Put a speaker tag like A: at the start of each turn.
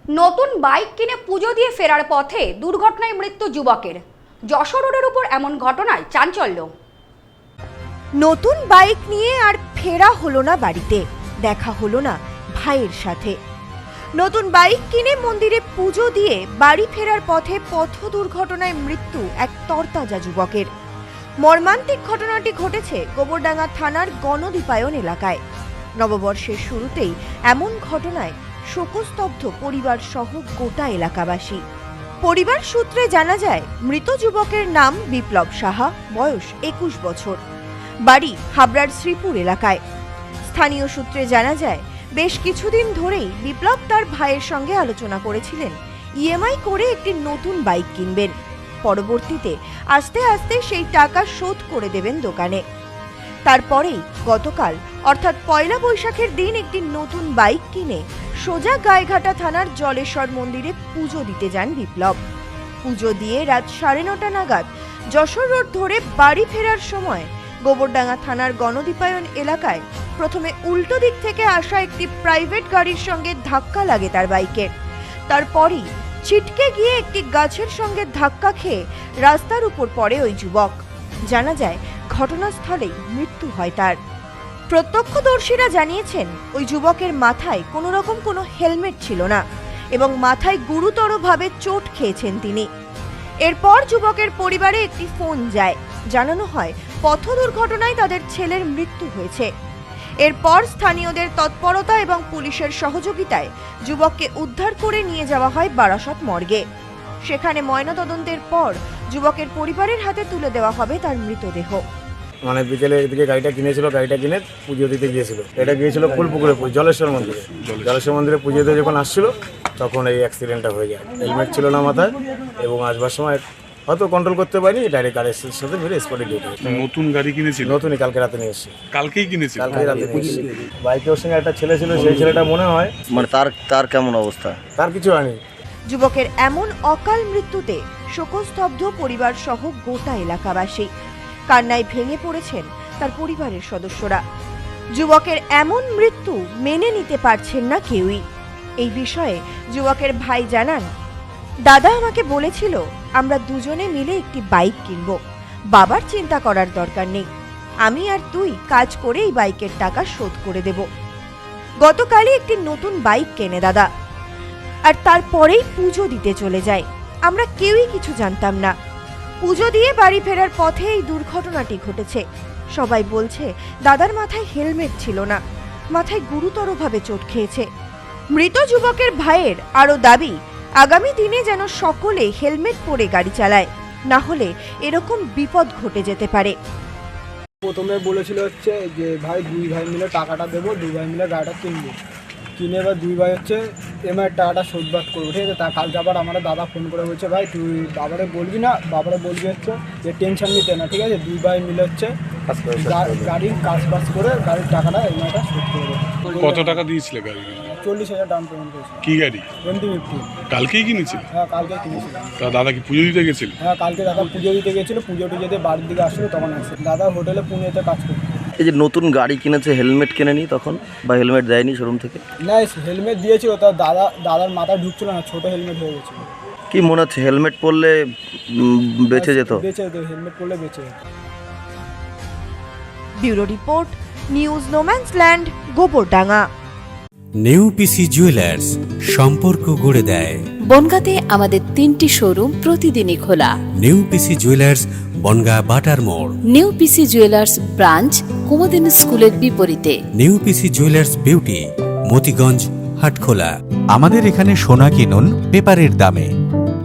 A: নতুন বাইক কিনে পুজো দিয়ে ফেরার পথে দুর্ঘটনায় মৃত্যু যুবকের। যশোর রোডের উপর এমন ঘটনায় চাঞ্চল্য।
B: নতুন বাইক নিয়ে আর ফেরা হলো না বাড়িতে, দেখা হলো না ভাইয়ের সাথে। নতুন বাইক কিনে মন্দিরে পুজো দিয়ে বাড়ি ফেরার পথে পথ দুর্ঘটনায় মৃত্যু এক তরতাজা যুবকের। মর্মান্তিক ঘটনাটি ঘটেছে গোবরডাঙ্গা থানার গণদীপায়ন এলাকায়। নববর্ষের শুরুতেই এমন ঘটনায় শোকস্তব্ধ পরিবার সহ গোটা এলাকাবাসী। পরিবার সূত্রে জানা যায়, মৃত যুবকের নাম বিপ্লব সাহা, বয়স 21 বছর, বাড়ি হাবড়ার শ্রীপুর এলাকায়। স্থানীয় সূত্রে জানা যায়, বেশ কিছুদিন ধরেই বিপ্লব তার ভাইয়ের সঙ্গে আলোচনা করেছিলেন ইএমআই করে একটি নতুন বাইক কিনবেন। পরবর্তীতে আস্তে আস্তে সেই টাকা শোধ করে দেবেন দোকানে। তারপরেই গতকাল অর্থাৎ পয়লা বৈশাখের দিন একটি নতুন বাইক কিনে সোজা গাইঘাটা থানার জলেশ্বর মন্দিরে পুজো দিতে যান বিপ্লব। পুজো দিয়ে রাত 9:30 নাগাদ যশোর রোড ধরে বাড়ি ফেরার সময় গোবরডাঙ্গা থানার গণদীপায়ন এলাকায় প্রথমে উল্টো দিক থেকে আসা একটি প্রাইভেট গাড়ির সঙ্গে ধাক্কা লাগে তার বাইকের। তারপরই ছিটকে গিয়ে একটি গাছের সঙ্গে ধাক্কা খেয়ে রাস্তার উপর পড়ে ওই যুবক। জানা যায়, ঘটনাস্থলেই মৃত্যু হয় তার। প্রত্যক্ষদর্শীরা জানিয়েছেন, ওই যুবকের মাথায় কোনো রকম কোনো হেলমেট ছিল না এবং মাথায় গুরুতরভাবে চোট খেয়েছেন তিনি। এরপর যুবকের পরিবারে একটি ফোন যায়, জানানো হয় পথ দুর্ঘটনায় তাদের ছেলের মৃত্যু হয়েছে। এরপর স্থানীয়দের তৎপরতা এবং পুলিশের সহযোগিতায় যুবককে উদ্ধার করে নিয়ে যাওয়া হয় বারাসত মর্গে। সেখানে ময়নাতদন্তের পর যুবকের পরিবারের হাতে তুলে দেওয়া হবে তার মৃতদেহ।
C: মানে বিকেলে এদিকে গাড়িটা কিনেছিল, গাড়িটা কিনে পুজো দিতে গিয়েছিল। এটা গিয়েছিল ফুলপুকুরে জলেশ্বর মন্দিরে। জলেশ্বর মন্দিরে পুজো দিতে যখন আসছিল তখন এই অ্যাক্সিডেন্টটা হয়ে যায়। হেলমেট ছিল না মাথায় এবং আসবার সময় হয়তো কন্ট্রোল করতে পারিনি, ডাইরেক্ট গাড়ির সাথে মেরে স্পটে ঢুকে।
D: নতুন গাড়ি কিনেছিল?
C: নতুনই, কালকে রাতে নিয়ে এসেছি।
D: কালকেই কিনেছিল?
C: কালকে রাতে নিয়ে এসেছি। বাইকের সঙ্গে একটা ছেলে ছিল, সেই ছেলেটা মনে হয়
E: মানে তার কেমন অবস্থা?
C: তার কিছু হয়নি।
B: যুবকের এমন অকাল মৃত্যুতে শোকস্তব্ধ পরিবার সহ গোটা এলাকাবাসী। কান্নায় ভেঙে পড়েছেন তার পরিবারের সদস্যরা। যুবকের এমন মৃত্যু মেনে নিতে পারছেন না কেউই। এই বিষয়ে যুবকের ভাই জানান, দাদা আমাকে বলেছিল আমরা দুজনে মিলে একটি বাইক কিনব, বাবার চিন্তা করার দরকার নেই, আমি আর তুই কাজ করে এই বাইকের টাকা শোধ করে দেব। গতকালই একটি নতুন বাইক কেনে দাদা, আর তারপরেই পুজো দিতে চলে যায়। আমরা কেউই কিছু জানতাম না। পুজো দিয়ে বাড়ি ফেরার পথে এই দুর্ঘটনাটি ঘটেছে। সবাই বলছে দাদার মাথায় হেলমেট ছিল না, মাথায় গুরুতরভাবে চোট খেয়েছে। মৃত যুবকের ভাইয়ের আরও দাবি, আগামী দিনে যেন সকলে হেলমেট পরে গাড়ি চালায়, না হলে এরকম বিপদ ঘটে যেতে পারে।
F: প্রথমে বলেছিল হচ্ছে যে ভাই দুই ভাই মিলে টাকাটা দেবো, দুই ভাই মিলে গাড়িটা কিনবো, কিনে এবার দুই ভাই হচ্ছে এমআই টাকাটা শোধবাদ করবো, ঠিক আছে। তা কালকে আবার আমাদের দাদা ফোন করে বলছে, ভাই তুই বাবারে বলবি না, বাবারে বলবি হচ্ছে যে টেনশন নিতে না, ঠিক আছে। দুই ভাই মিলে হচ্ছে গাড়ির কাজ বাজ করে গাড়ির টাকাটা এমআইটা শোধ করে দেবো।
D: কত টাকা দিয়েছিলে গাড়ি?
F: 40,000 ডাউন পেমেন্ট করেছিল।
D: কি গাড়ি?
F: MT-50।
D: কালকেই কিনেছিল?
F: হ্যাঁ, কালকে কিনেছিলাম।
D: তা দাদা কি পুজো দিতে গেছিল?
F: হ্যাঁ, কালকে দাদা পুজো দিতে গেছিলো, পুজো টুজো দিয়ে বাড়ির দিকে আসলো তখন আসে। দাদা হোটেলে পুনেতে কাজ করতো।
E: এই যে নতুন গাড়ি কিনেছে, হেলমেট কেনেনি তখন, বা হেলমেট দেয়নি শোরুম থেকে?
F: না, হেলমেট দিয়েছিল, তার দাদার মাথায় ঢুকছিল না, ছোট হেলমেট হয়ে গেছিল।
E: কি মনে হচ্ছে হেলমেট পরলে বেঁচে যেত?
F: বেঁচে যেত, হেলমেট পরলে বেঁচে যেত।
B: Bureau report, news no man's land, Gobardanga.
G: New P C jewellers, সম্পর্ক গড়ে দেয়।
H: বনগাঁতে আমাদের 3টি শোরুম প্রতিদিনই খোলা।
G: নেউপিসি জুয়েলার্স, বনগাঁ বাটার মোড়।
H: নেউপিসি জুয়েলার্স ব্রাঞ্চ, কুমদিন স্কুলের বিপরীতে।
G: New P C jewellers beauty, Matiganj, Hatkhola. আমাদের এখানে সোনা কিনুন পেপারের দামে।